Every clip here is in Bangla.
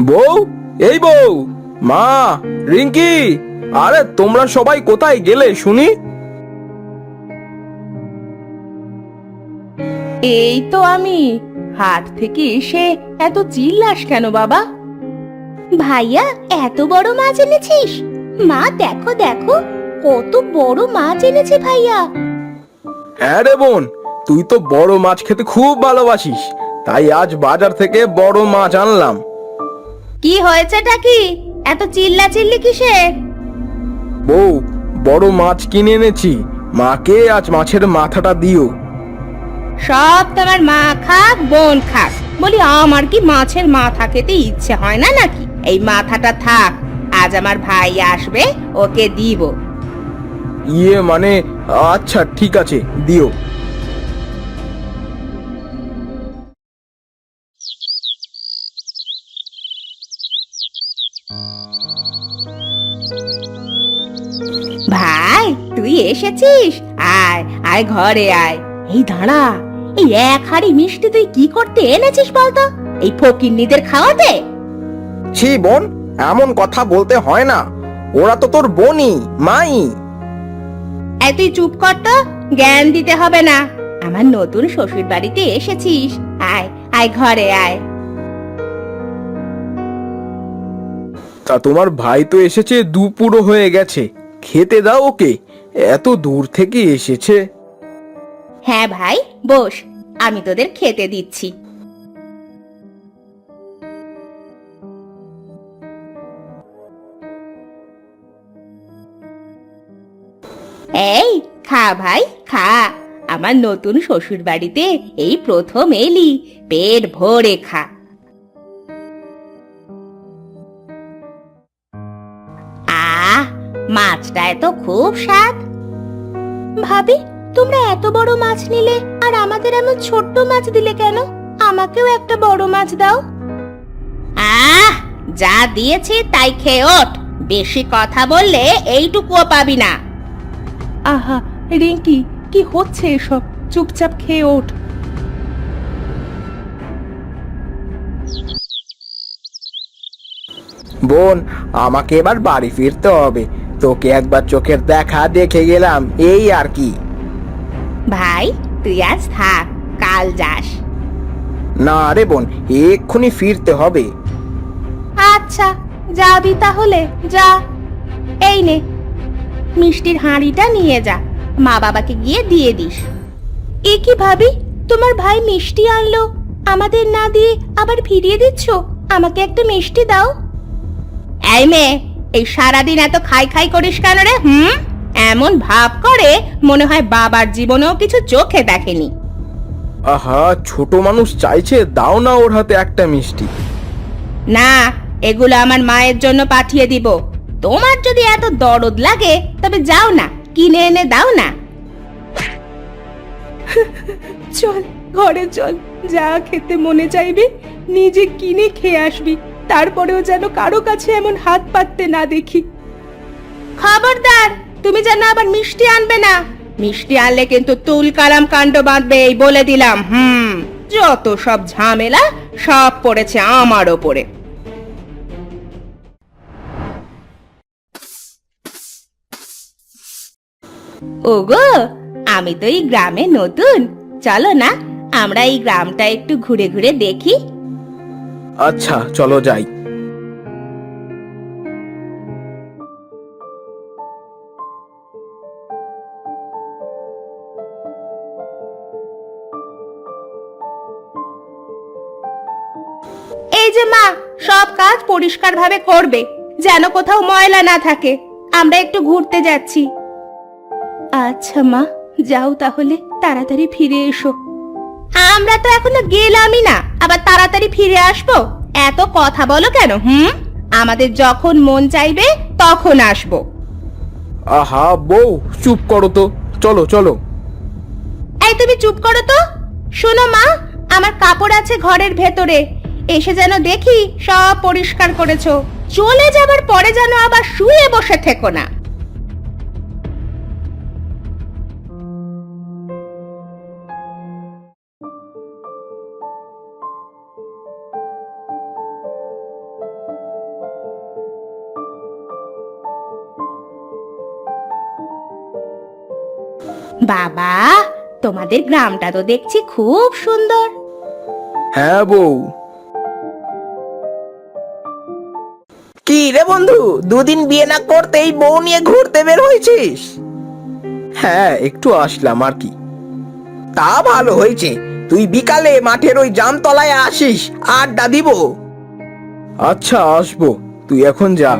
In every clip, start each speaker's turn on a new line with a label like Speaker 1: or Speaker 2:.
Speaker 1: বউ, এই বউ, মা, রিঙ্কি, আরে তোমরা সবাই কোথায় গেলে শুনি?
Speaker 2: এই তো আমি। হাট থেকে এসে এত চিল্লাস কেন বাবা? ভাইয়া, এত বড় মাছ এনেছিস? মা দেখো দেখো, কত বড় মাছ এনেছে ভাইয়া।
Speaker 1: হ্যাঁ রে বোন, তুই তো বড় মাছ খেতে খুব ভালোবাসিস, তাই আজ বাজার থেকে বড় মাছ আনলাম।
Speaker 2: কি হয়েছেটা কি? এত চিল্লা চিল্লি কিসের?
Speaker 1: বউ, বড় মাছ কিনে এনেছি, মাকে আজ মাছের মাথাটা দিও।
Speaker 2: সব তোমার মা খাক বোন খাক, বলি আমার কি মাছের মাথা খেতে ইচ্ছে হয় না নাকি? এই মাথাটা থাক, আজ আমার ভাই আসবে, ওকে দিব।
Speaker 1: ইয়ে মানে, আচ্ছা ঠিক আছে, দিও।
Speaker 2: ভাই, তুই এসেছিস? আয় আয়, ঘরে আয়। এই দাঁড়া, এই এক হাঁড়ি মিষ্টি তুই কি করতে এনেছিস বলতো? এই ফকিন্নিদের খাওয়াতে?
Speaker 1: ছি বোন, এমন কথা বলতে হয় না, ওরা তো তোর বোনই, মাই।
Speaker 2: এই তুই চুপ কর তো, জ্ঞান দিতে হবে না। আমার নতুন শ্বশুর বাড়িতে এসেছিস, আয় আয়, ঘরে আয়।
Speaker 1: তা তোমার ভাই তো এসেছে, দুপুরও হয়ে গেছে, খেতে দাও ওকে, এত দূর থেকে এসেছে।
Speaker 2: হ্যাঁ ভাই, বস, আমি তোদের খেতে দিচ্ছি। এই, খা ভাই খা। আমার নতুন শ্বশুর বাড়িতে এই প্রথম এলি, পেট ভরে খা। আহ, মাছটা এত খুব স্বাদ। ভাবি, তোমরা এত বড় মাছ নিলে আর আমাদের এমন ছোট্ট মাছ দিলে কেন? আমাকেও একটা বড় মাছ দাও। আহ, যা দিয়েছি তাই খেয়ে ওঠ। বেশি কথা বললে এইটুকুও পাবি না। আহা রিঙ্কি, কি হচ্ছে এসব? চুপচাপ খেয়ে ওঠ।
Speaker 1: বোন, আমাকে এবার বাড়ি ফিরতে হবে, তোকে একবার চোখের দেখা দেখে গেলাম, এই আর কি।
Speaker 2: ভাই, তুই আজ থাক, কাল যাস।
Speaker 1: না রে বোন, এক্ষুনি ফিরতে হবে।
Speaker 2: আচ্ছা, যাবি তাহলে যা। এই নে, মিষ্টির হাঁড়িটা নিয়ে যা, মা বাবাকে গিয়ে দিয়ে দিস। এ কি ভাবি, তোমার ভাই মিষ্টি আনলো, আমাদের না দিয়ে আবার ফিরিয়ে দিচ্ছ? আমাকে একটা মিষ্টি দাও। এই মেয়ে, এই সারাদিন এত খাই খাই করিস কেন রে? এমন ভাব করে মনে হয় বাবার জীবনেও কিছু চোখে দেখেনি।
Speaker 1: আহা, ছোট মানুষ চাইছে, দাও না ওর হাতে একটা মিষ্টি।
Speaker 2: না, এগুলো আমার মায়ের জন্য পাঠিয়ে দিব। তোমার যদি এত দরদ লাগে তবে যাও না, কিনে এনে দাও না। চল, ঘরে চল, যা খেতে মনে চাইবে নিজে কিনে খেয়ে আসবি, তারপরেও যেন কারো কাছে এমন হাত পাততে না দেখি। খবরদার, তুমি যেন আবার মিষ্টি আনবে না। মিষ্টি আনলে কিন্তু তুল কালাম কাণ্ড বাঁধবে, এই বলে দিলাম। যত সব ঝামেলা সব পড়েছে আমার ওপরে। ওগো, আমি তো এই গ্রামে নতুন, চলো না আমরা এই গ্রামটা একটু ঘুরে ঘুরে দেখি।
Speaker 1: আচ্ছা চলো যাই।
Speaker 2: এই যে মা, সব কাজ পরিষ্কার ভাবে করবে, যেন কোথাও ময়লা না থাকে। আমরা একটু ঘুরতে যাচ্ছি। আচ্ছা মা, যাও তাহলে, তাড়াতাড়ি ফিরে এসো। আমরা তো এখনো গেলামই না, আবার তাড়াতাড়ি ফিরে আসবো? এত কথা বলো কেন? আমাদের যখন মন চাইবে তখন আসবো।
Speaker 1: আহা বউ, চুপ করো তো, চলো চলো।
Speaker 2: এই তুমি চুপ করো তো। শোনো মা, আমার কাপড় আছে ঘরের ভেতরে, এসে যেন দেখি সব পরিষ্কার করেছো। চলে যাবার পরে যেন আবার শুয়ে বসে থেকো না। বাবা, তোমাদের গ্রামটা তো দেখছি খুব সুন্দর।
Speaker 1: হ্যাঁ বউ।
Speaker 3: কি রে বন্ধু, দুদিন বিয়ে না করতেই বউ নিয়ে ঘুরতে বের হয়েছিস?
Speaker 1: হ্যাঁ, একটু আসলাম আর কি।
Speaker 3: তা ভালো হয়েছে, তুই বিকালে মাঠের ওই জামতলায় আসিস, আড্ডা দিব।
Speaker 1: আচ্ছা, আসবো, তুই এখন যা।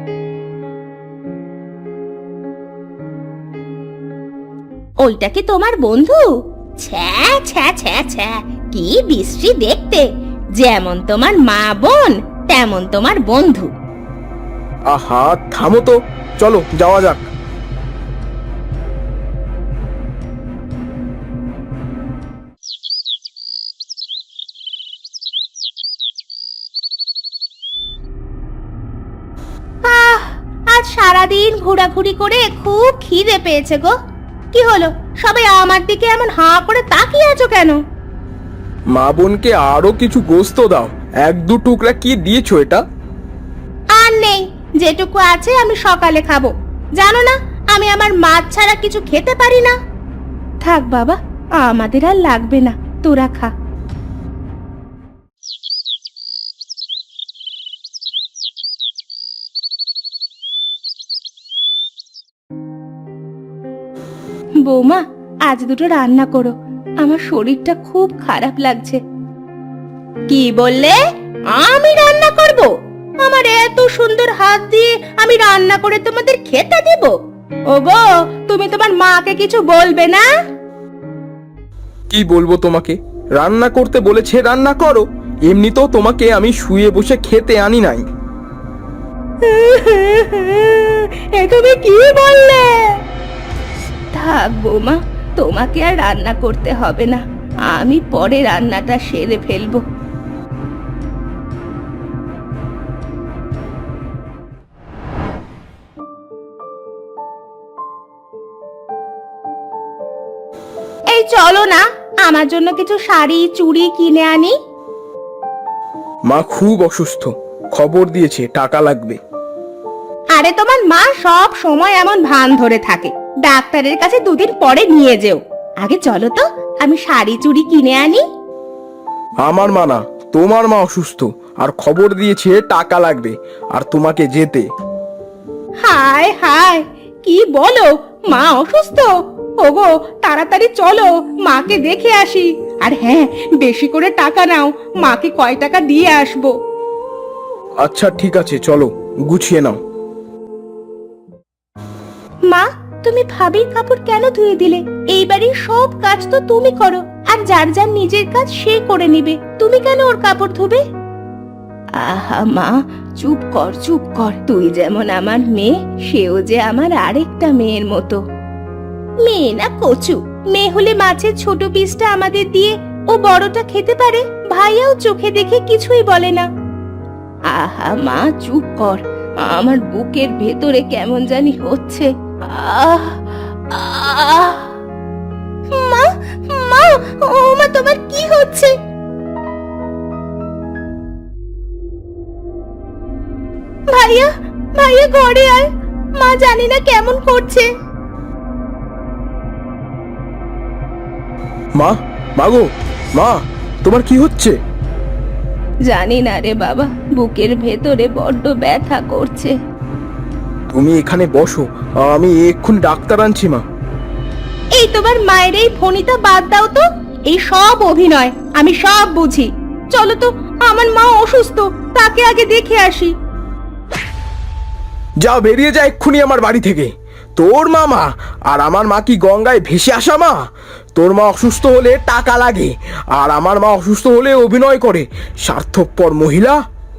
Speaker 2: ওইটা কি তোমার বন্ধু? ছ্যা ছ্যা ছ্যা ছ্যা, কি বিশ্রী দেখতে! যেমন তোমার মা বোন তেমন তোমার বন্ধু।
Speaker 1: আহা, থামো তো, চলো যাওয়া যাক।
Speaker 2: আজ সারাদিন ঘোরাঘুরি করে খুব খিদে পেয়েছে গো। কি হলো, সবাই আমার দিকে এমন হাঁ করে তাকিয়ে আছো কেন?
Speaker 1: মা বোনকে আরো কিছু গোস্ত দাও। এক দু টুকরা কি দিয়েছো এটা?
Speaker 2: আর নেই, যেটুকু আছে আমি সকালে খাবো। জানো না, আমি আমার মাছ ছাড়া কিছু খেতে পারি না। থাক বাবা, আমাদের আর লাগবে না, তোরা খা। বৌমা, আজ দুটো রান্না করো, আমার শরীরটা খুব খারাপ লাগছে। কি বললে? আমি রান্না করব? আমার এত সুন্দর হাত দিয়ে আমি রান্না করে তোমাদের খেতে দেব? ওগো, তুমি তোমার মাকে কিছু বলবে না?
Speaker 1: কি বলবো তোমাকে? রান্না করতে বলেছে, রান্না করো। এমনিতেও তোমাকে আমি শুয়ে বসে খেতে আনি নাই।
Speaker 2: এ তুমি কি বললে? থাক বৌমা, তোমাকে আর রান্না করতে হবে না, আমি পরে রান্নাটা সেরে ফেলবো। এই চলো না, আমার জন্য কিছু শাড়ি চুড়ি কিনে আনি।
Speaker 1: মা খুব অসুস্থ, খবর দিয়েছে টাকা লাগবে।
Speaker 2: আরে তোমার মা সব সময় এমন ভান ধরে থাকে, ডাক্তারের কাছে দুদিন পরে নিয়ে যেও। আগে চলো তো, আমি শাড়ি চুড়ি কিনে আনি।
Speaker 1: আমার মা না, তোমার মা অসুস্থ, আর খবর দিয়েছে টাকা লাগবে, আর তোমাকে যেতে।
Speaker 2: হায় হায়, কি বলো? মা অসুস্থ? ওগো, তাড়াতাড়ি চলো, মাকে দেখে আসি। আর হ্যাঁ, বেশি করে টাকা নাও, মাকে কয় টাকা দিয়ে আসবো।
Speaker 1: আচ্ছা ঠিক আছে, চলো গুছিয়ে নাও।
Speaker 2: মা, তুমি ভাবির কাপড় কেন ধুয়ে দিলে? এই বাড়ির সব কাজ তো তুমি করো, আর যার যার নিজের কাজ সে করে নিবে, তুমি কেন ওর কাপড় ধুবে? আহা মা, চুপ কর চুপ কর। তুই যেমন আমার মেয়ে, সেও যে আমার আরেকটা মেয়ের মতো। মেয়ে না কচু, মেয়ে হলে মাছের ছোট পিসটা আমাদের দিয়ে ও বড়টা খেতে পারে, ভাইয়াও চোখে দেখে কিছুই বলে না। আহা মা, চুপ কর, আমার বুকের ভেতরে কেমন জানি হচ্ছে। আহ আহ মা, মা, ও মা, তোমার কি হচ্ছে? ভাইয়া, ভাইয়া ঘরে আয়, মা জানি না কেমন করছে।
Speaker 1: মা, মাগো, মা, তোমার কি হচ্ছে?
Speaker 2: জানি না রে বাবা, বুকের ভেতরে বড্ড ব্যথা করছে।
Speaker 1: তুমি এখানে বসো, আমি এক্ষুনি ডাক্তার আনছি। মা,
Speaker 2: এই তোমার মায়ের এই ফোনিতা বাদ দাও তো, এই সব অভিনয়, আমি সব বুঝি। চলো তো, আমার মা অসুস্থ, তাকে আগে দেখে আসি।
Speaker 1: যা, বেরিয়ে যা এক্ষুনি আমার বাড়ি থেকে। তোর মামা আর আমার মা কি গঙ্গায় ভেসে আসা মা? তোর মা অসুস্থ হলে টাকা লাগে, আর আমার মা অসুস্থ হলে অভিনয় করে, স্বার্থপর মহিলা।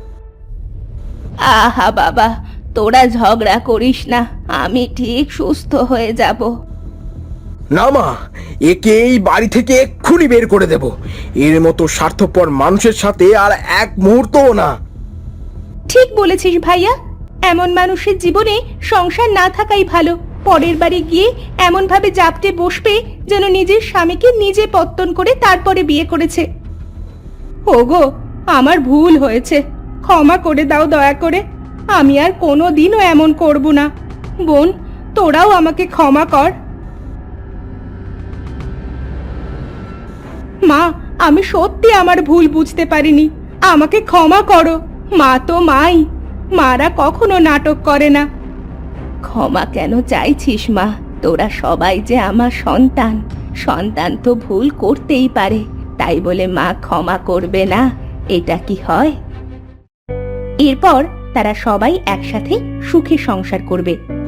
Speaker 2: আহা বাবা, তোরা ঝগড়া করিস না, আমি ঠিক সুস্থ হয়ে যাব।
Speaker 1: না মা, একে এই বাড়ি থেকে এক্ষুনি বের করে দেব। এর মতো স্বার্থপর মানুষের সাথে আর এক মুহূর্তও না।
Speaker 2: ঠিক বলেছিস ভাইয়া, এমন মানুষের জীবনে সংসার না থাকাই ভালো। পরের বাড়ি গিয়ে এমন ভাবে জাপটে বসবে যেন নিজের স্বামীকে নিজে পত্তন করে তারপরে বিয়ে করেছে। ওগো, আমার ভুল হয়েছে, ক্ষমা করে দাও দয়া করে। আমি আর কোনোদিনও এমন করব না। বোন, তোরাও আমাকে ক্ষমা কর। মা, আমি সত্যি আমার ভুল বুঝতে পারিনি, আমাকে ক্ষমা করো। মা তো মাই, মারা কখনো নাটক করে না। ক্ষমা কেন চাইছিস মা? তোরা সবাই যে আমার সন্তান, সন্তান তো ভুল করতেই পারে, তাই বলে মা ক্ষমা করবে না, এটা কি হয়? এরপর তারা সবাই একসাথে সুখে সংসার করবে।